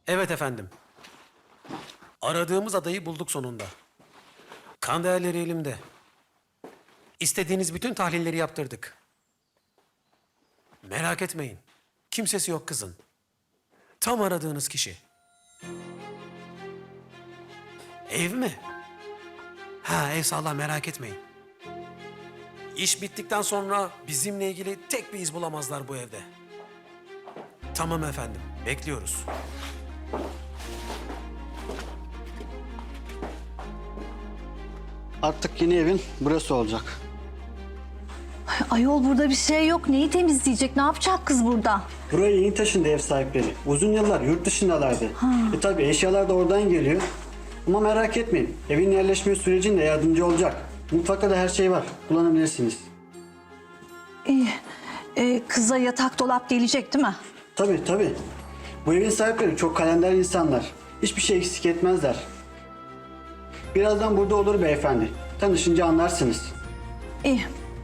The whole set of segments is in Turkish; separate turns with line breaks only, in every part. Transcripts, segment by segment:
Evet efendim. Aradığımız adayı bulduk sonunda. Kan değerleri elimde. İstediğiniz bütün tahlilleri yaptırdık. Merak etmeyin. Kimsesi yok kızın. Tam aradığınız kişi. Ev mi? Ha, ev sağlam, merak etmeyin. İş bittikten sonra bizimle ilgili tek bir iz bulamazlar bu evde. Tamam efendim, bekliyoruz.
Artık yeni evin burası olacak.
Ayol burada bir şey yok. Neyi temizleyecek? Ne yapacak kız burada?
Buraya yeni taşındı ev sahipleri. Uzun yıllar yurt dışındalardı. Tabii eşyalar da oradan geliyor. Ama merak etmeyin. Evin yerleşme sürecinde yardımcı olacak. Mutfakta da her şey var. Kullanabilirsiniz.
İyi. Kıza yatak dolap gelecek değil mi?
Tabii. Bu evin sahipleri çok kalender insanlar. Hiçbir şey eksik etmezler. Birazdan burada olur beyefendi. Tanışınca anlarsınız.
İyi.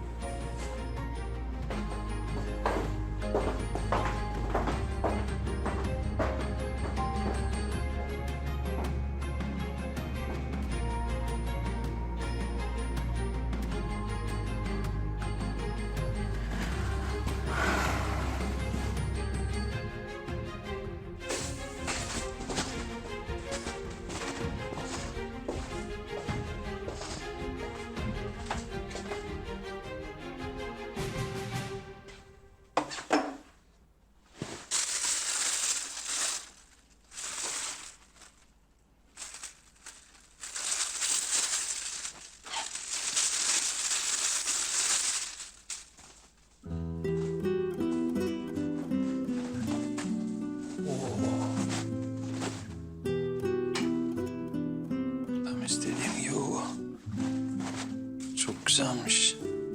Tam istediğim gibi bu. Çok güzelmiş.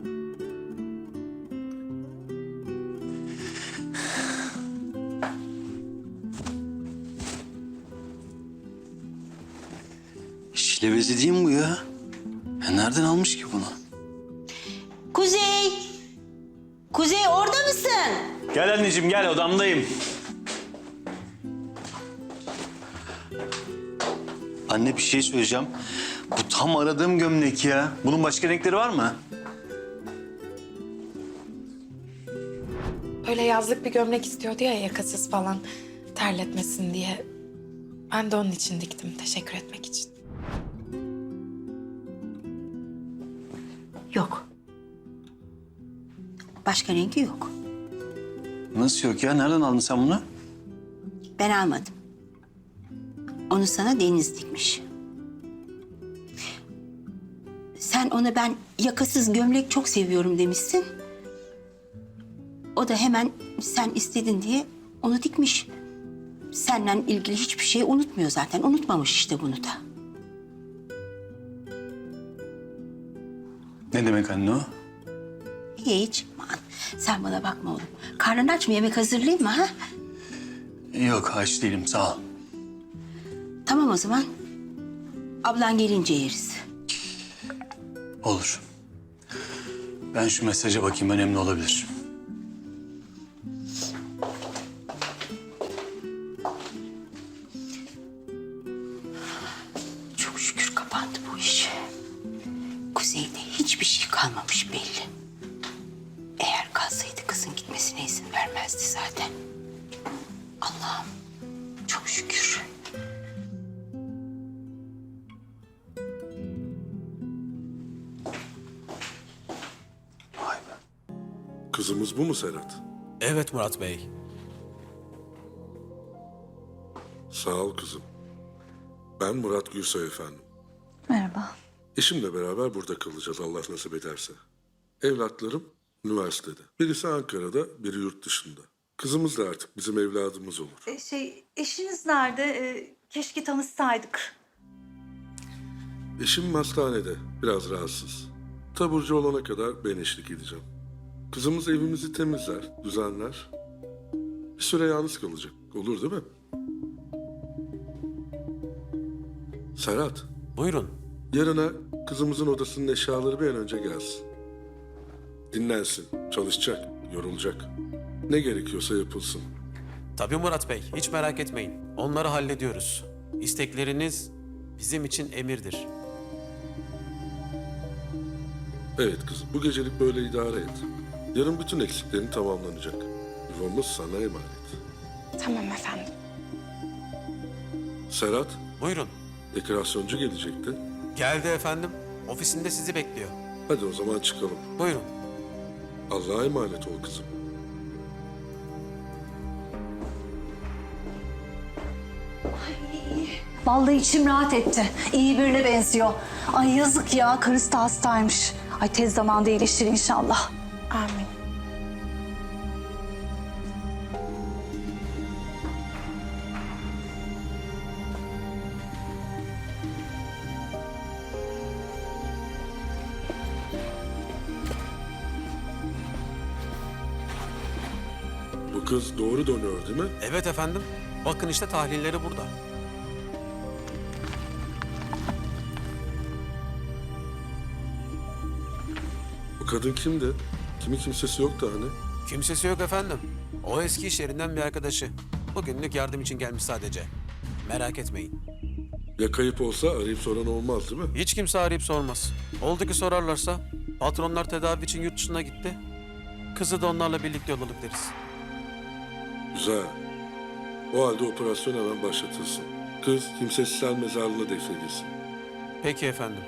Şilebezi değil mi bu ya? Nereden almış ki bunu?
Kuzey! Kuzey orada mısın?
Gel anneciğim gel, odamdayım. Anne bir şey söyleyeceğim. Bu tam aradığım gömlek ya. Bunun başka renkleri var mı?
Öyle yazlık bir gömlek istiyordu ya, yakasız falan, terletmesin diye. Ben de onun için diktim, teşekkür etmek için.
Yok. Başka rengi yok.
Nasıl yok ya? Nereden aldın sen bunu?
Ben almadım. Onu sana Deniz dikmiş. Sen ona ben yakasız gömlek çok seviyorum demişsin. O da hemen sen istedin diye onu dikmiş. Seninle ilgili hiçbir şey unutmuyor zaten. Unutmamış işte bunu da.
Ne demek anne o?
Hiç. Aman, sen bana bakma oğlum. Karnın aç mı? Yemek hazırlayayım mı ha?
Yok, aç değilim, sağ ol.
Tamam o zaman. Ablan gelince yeriz.
Olur. Ben şu mesaja bakayım, önemli olabilir.
Çok şükür kapandı bu iş. Kuzey'de hiçbir şey kalmamış belli. Eğer kalsaydı kızın gitmesine izin vermezdi zaten. Allah'ım çok şükür.
Vay be.
Kızımız bu mu Serhat?
Evet Murat Bey.
Sağ ol kızım. Ben Murat Gülsoy efendim.
Merhaba.
Eşimle beraber burada kalacağız Allah nasip ederse. Evlatlarım üniversitede. Birisi Ankara'da, biri yurt dışında. Kızımız da artık bizim evladımız olur.
Eşiniz nerede? Keşke tanışsaydık.
Eşim hastanede, biraz rahatsız. Taburcu olana kadar ben eşlik edeceğim. Kızımız evimizi temizler, düzenler. Bir süre yalnız kalacak. Olur değil mi? Serhat,
Buyurun.
yarına kızımızın odasının eşyaları bir an önce gelsin. Dinlensin, çalışacak, yorulacak. Ne gerekiyorsa yapılsın.
Tabii Murat Bey, hiç merak etmeyin. Onları hallediyoruz. İstekleriniz bizim için emirdir.
Evet kızım, bu gecelik böyle idare et. Yarın bütün eksiklerin tamamlanacak. Yuvamız sana emanet.
Tamam efendim.
Serhat,
Buyurun.
dekorasyoncu gelecekti.
Geldi efendim. Ofisinde sizi bekliyor.
Hadi o zaman çıkalım.
Buyurun.
Allah'a emanet ol kızım.
Vallahi içim rahat etti. İyi birine benziyor. Ay yazık ya, karısı da hastaymış. Ay tez zamanda iyileşir inşallah.
Amin.
Bu kız doğru dönüyor değil mi?
Evet efendim. Bakın işte tahlilleri burada.
Bu kadın kimdi? Kimi kimsesi yoktu hani.
Kimsesi yok efendim. O eski iş yerinden bir arkadaşı. Bugünlük yardım için gelmiş sadece. Merak etmeyin.
Ya kayıp olsa arayıp soran olmaz değil mi?
Hiç kimse arayıp sormaz. Oldu ki sorarlarsa patronlar tedavi için yurt dışına gitti. Kızı da onlarla birlikte yolladık deriz.
Güzel. O halde operasyon hemen başlatılsın. Kız kimsesizler mezarlığına defnedilsin.
Peki efendim.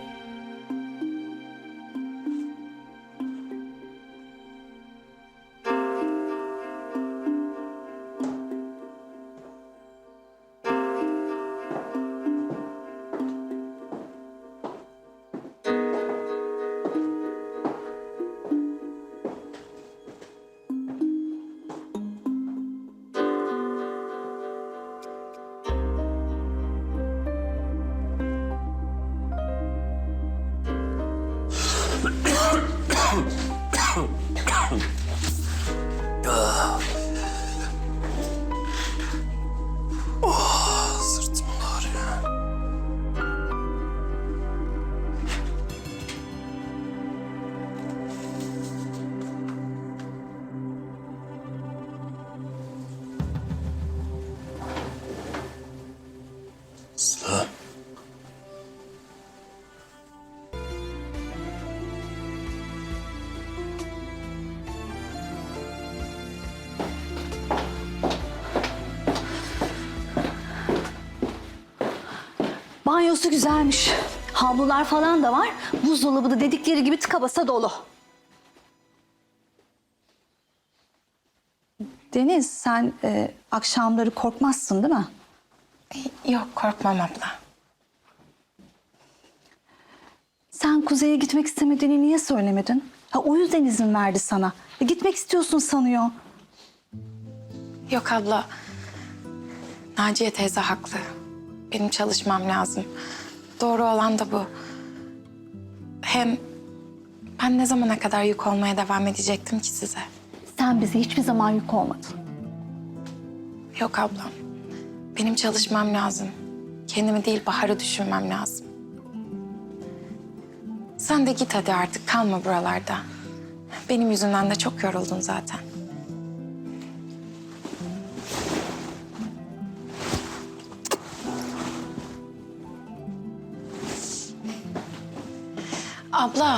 Sırtım ağrıyor. Sıla.
Banyosu güzelmiş. Havlular falan da var. Buzdolabı da dedikleri gibi tıka basa dolu. Deniz, sen akşamları korkmazsın değil mi?
Yok korkmam abla.
Sen kuzeye gitmek istemediğini niye söylemedin? Ha, o yüzden izin verdi sana. Gitmek istiyorsun sanıyor.
Yok abla. Naciye teyze haklı. Benim çalışmam lazım. Doğru olan da bu. Hem ben ne zamana kadar yük olmaya devam edecektim ki size?
Sen bize hiçbir zaman yük olmadın.
Yok ablam. Benim çalışmam lazım. Kendimi değil Bahar'ı düşünmem lazım. Sen de git hadi artık kalma buralarda. Benim yüzümden de çok yoruldun zaten. Abla.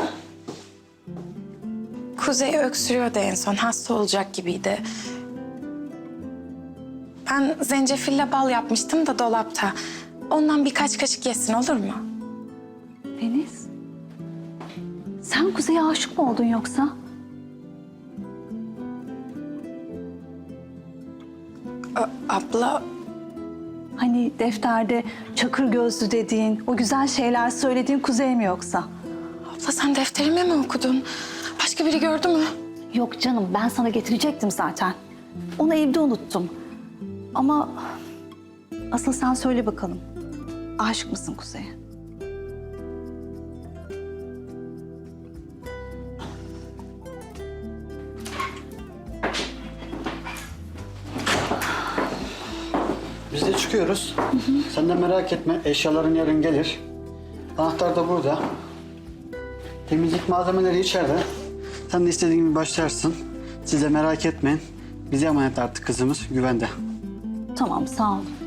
Kuzey öksürüyordu en son. Hasta olacak gibiydi. Ben zencefille bal yapmıştım da dolapta. Ondan birkaç kaşık yesin olur mu?
Deniz, sen Kuzey'e aşık mı oldun yoksa?
Abla
Hani defterde çakır gözlü dediğin, o güzel şeyler söylediğin Kuzey mi yoksa?
Abla sen defterimi mi okudun? Başka biri gördü mü?
Yok canım, ben sana getirecektim zaten. Onu evde unuttum. Ama asıl sen söyle bakalım. Aşık mısın Kuzey'e?
Biz de çıkıyoruz. Sen de merak etme. Eşyaların yarın gelir. Anahtar da burada. Temizlik malzemeleri içeride. Sen de istediğin gibi başlarsın. Siz de merak etmeyin. Bize emanet artık kızımız güvende.
Tamam, sağ olun.